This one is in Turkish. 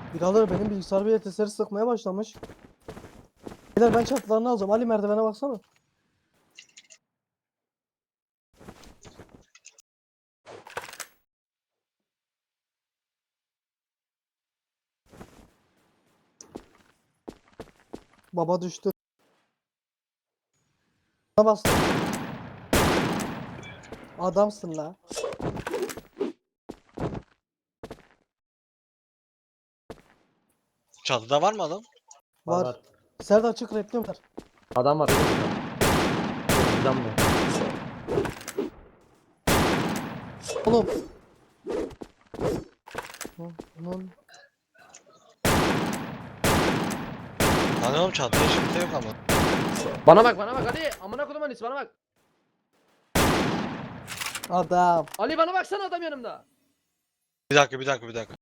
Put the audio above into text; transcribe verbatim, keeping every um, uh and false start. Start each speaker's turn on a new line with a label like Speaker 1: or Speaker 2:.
Speaker 1: Birader benim bilgisayar bir yeteseri sıkmaya başlamış. Beyler ben çatılarını alacağım. Ali merdivene baksana. Baba düştü. Bana bastı. Adamsın la.
Speaker 2: Çatıda var mı adam?
Speaker 3: Var
Speaker 1: Var.
Speaker 3: var.
Speaker 1: Serdar çık replim var.
Speaker 3: Adam var. Bizden mi?
Speaker 1: Oğlum. Lan.
Speaker 2: Lan oğlum çatıda hiç kimse yok ama.
Speaker 3: Bana bak bana bak Ali. Amına kodum Anis bana bak.
Speaker 1: Adam.
Speaker 3: Ali bana baksana adam yanımda.
Speaker 2: Bir dakika bir dakika bir dakika.